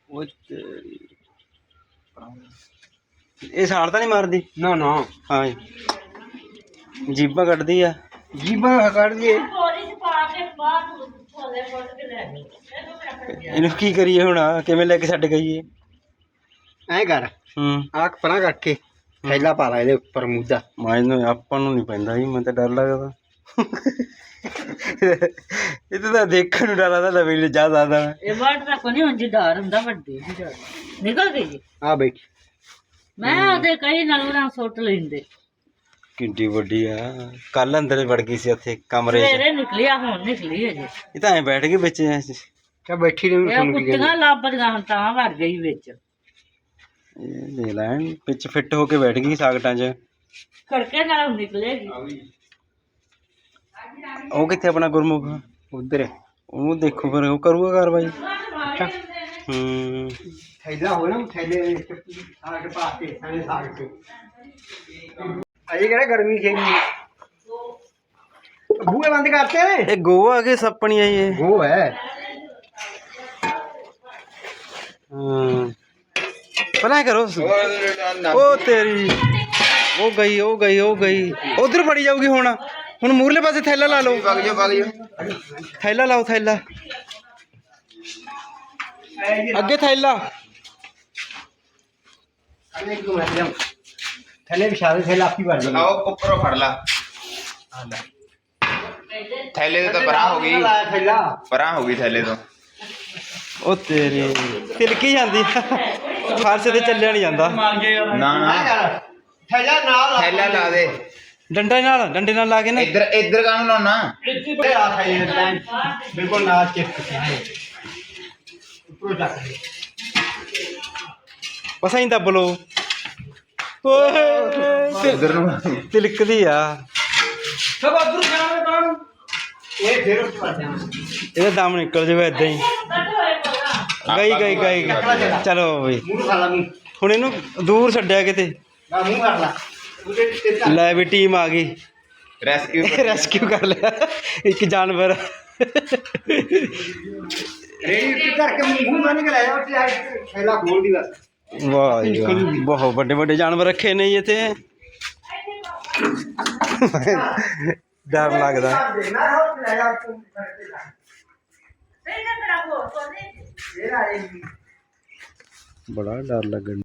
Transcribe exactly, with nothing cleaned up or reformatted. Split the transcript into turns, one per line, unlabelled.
ਉਹ ਤੇਰੀ ਇਹ ਸਾਲ ਤਾਂ ਨਹੀਂ ਮਾਰਦੀ
ਨਾ ਨਾ
ਹਾਂ ਜੀਬਾਂ ਕੱਢਦੀ ਆ
ਜੀਬਾਂ ਕੱਢ ਦਈਏ
ਇਹਨੂੰ ਕੀ ਕਰੀਏ ਹੁਣ ਕਿਵੇਂ ਲੈ ਕੇ ਛੱਡ ਗਈਏ
ਐ ਕਰ
ਹੂੰ
ਆਹ ਪਰਾਂ ਕੱਟ ਕੇ ਥੈਲਾ ਪਾ ਲਾ ਇਹਦੇ ਉੱਪਰ ਮੂਦਾ
ਮੈਨੂੰ ਆਪਾਂ ਨੂੰ ਨਹੀਂ ਪੈਂਦਾ ਜੀ ਮੈਨੂੰ ਤਾਂ ਡਰ ਲੱਗਦਾ ਇਹ ਤਾਂ ਦੇਖਣ ਨੂੰ ਡਰ ਲੱਗਦਾ ਲਵੇ ਜਾ ਸਕਦਾ
ਇਹ ਵਰਡ ਦਾ ਕੋਈ ਉਂਝ ਡਰ ਹੁੰਦਾ ਵੱਡੇ ਦੀ ਡਰ ਨਿਕਲ ਗਈ
ਆ ਬੈਠ
ਮੈਂ ਉਹਦੇ ਕਈ ਨਾਲ ਉਹਨਾਂ ਸੁੱਟ ਲੈਂਦੇ
ਕਿੰਨੀ ਵੱਡੀ ਆ ਕੱਲ ਅੰਦਰ ਵੜ ਗਈ ਸੀ ਉੱਥੇ ਕਮਰੇ 'ਚ
ਸਵੇਰੇ ਨਿਕਲੀ ਆ ਹੁਣ ਨਿਕਲੀ ਅਜੇ
ਇਹ ਤਾਂ ਐ ਬੈਠ ਗਈ ਵਿੱਚ
ਕਿਆ ਬੈਠੀ ਰਹੀ
ਇਹ
ਸੁਣ ਕੇ
ਕੁੱਤੀਆਂ ਲੱਭਦੀਆਂ ਹੁਣ ਤਾਂ ਵੜ ਗਈ ਵਿੱਚ
ਇਹ ਦੇ ਲੈਣ ਵਿੱਚ ਫਿੱਟ ਹੋ ਕੇ ਬੈਠ ਗਈ ਸਾਗਟਾਂ 'ਚ
ਖੜਕੇ ਨਾਲ ਨਿਕਲੇਗੀ
ਉਹ ਕਿੱਥੇ ਆਪਣਾ ਗੁਰਮੁਖ
ਉਧਰ
ਉਹਨੂੰ ਦੇਖੋ ਫਿਰ ਉਹ ਕਰੂਗਾ ਕਾਰਵਾਈ
ਅੱਛਾ
ਹੂੰ
ਥੈਲਾ ਹੋ ਨਾ ਥੈਲੇ ਸਾਗ ਪਾ ਕੇ ਸਾਰੇ ਸਾਗ ਤੇ ਅਜੇ ਕਿਹੜਾ ਗਰਮੀ ਸੀ ਬੂਹੇ ਬੰਦ ਕਰਤੇ
ਇਹ ਗੋ ਆ ਗਏ ਸੱਪਣੀ ਆਈ ਇਹ
ਉਹ ਹੈ
ਹਾਂ ਪਹਿਲਾਂ ਕਰੋ ਉਹ ਤੇਰੀ ਉਹ ਗਈ ਉਹ ਗਈ ਉਹ ਗਈ ਉਧਰ ਫੜੀ ਜਾਊਗੀ ਹੁਣ ਹੁਣ ਮੂਰਲੇ ਪਾਸੇ ਥੈਲਾ ਲਾ ਲਓ
ਵਗ ਜਾ ਵਗ ਜਾ
ਥੈਲਾ ਲਾਓ ਥੈਲਾ ਅੱਗੇ ਥੈਲਾ
ਥੈਲੇ ਵਿਛਾ ਦੇ ਥੈਲਾ ਆਪੀ ਭਰ ਜਾਣਾ
ਆਓ ਉੱਪਰੋਂ ਫੜ ਲਾ ਥੈਲੇ ਤੋਂ ਤਾਂ ਪਰਾਂ ਹੋ ਗਈ
ਥੈਲਾ
ਪਰਾਂ ਹੋ ਗਈ ਥੈਲੇ ਤੋਂ
ਉਹ ਤੇਰੀ ਤਿਲਕੀ ਜਾਂਦੀ ਫਰਸ਼ ਤੇ ਚੱਲਿਆ ਨਹੀਂ ਜਾਂਦਾ
ਨਾ ਨਾ
ਥੈਲਾ ਨਾਲ
ਥੈਲਾ ਲਾ ਦੇ
ਡੰਡੇ ਨਾਲ ਡੰਡੇ ਨਾਲ ਲਾ ਕੇ ਨਾ
ਇੱਧਰ ਇੱਧਰ ਕਾਹਨੂੰ ਲਾਉਣਾ
ਇੱਥੇ ਆ ਥੈਲੇ ਨਾਲ ਬਿਲਕੁਲ ਨਾਲ ਚਿਪਕ ਕੇ ਉੱਪਰੋਂ ਚੱਕ ਦੇ
ਬਸ ਐਂ ਦੱਬ ਲਓ ਓਏ
ਇੱਧਰ ਨੂੰ
ਤਿਲਕਦੀ ਆ
ਸਭ ਉਧਰ ਜਾਣਾ ਕਾਣ ਇਹ ਫੇਰ ਉੱਤੇ ਵੱਜ ਜਾਣਾ
ਇਹਦਾ ਦਮ ਨਿਕਲ ਜਾਵੇ ਏਦਾਂ ਹੀ ਗਈ ਗਈ ਗਈ ਗਈ। ਚਲੋ ਬਈ
ਮੂੰਹ ਖਾ ਲਾ ਮੂੰਹ
ਹੁਣ ਇਹਨੂੰ ਦੂਰ ਛੱਡਿਆ ਕਿਤੇ
ਨਾ ਮੂੰਹ ਕਰ ਲਾ ਉਹਦੇ ਤੇ ਤਾਂ
ਲੈ ਵੀ ਟੀਮ ਆ ਗਈ
ਰੈਸਕਿਊ
ਰੈਸਕਿਊ ਕਰ ਲਿਆ ਇੱਕ ਜਾਨਵਰ
ਰੇੜੀ ਉੱਤੇ ਧਰ ਕੇ ਮੂੰਹ ਬੰਨ ਕੇ ਲੈ ਜਾ ਉੱਤੇ ਥੈਲਾ ਖੋਲ ਦੀ ਬਸ
ਵਾਹ ਜੀ ਵਾਹ ਬਹੁਤ ਵੱਡੇ ਵੱਡੇ ਜਾਨਵਰ ਰੱਖੇ ਨੇ ਜੀ ਇੱਥੇ ਡਰ ਲੱਗਦਾ
ਨਾ ਹੋ ਲੈ ਜਾ ਤੂੰ ਕਰਕੇ ਜਾ ਇਹ ਨਾ ਤੇਰਾ ਹੋਰ ਕੋਨੇ ਇਹ ਆਏਗੀ
ਬੜਾ ਡਰ ਲੱਗਣ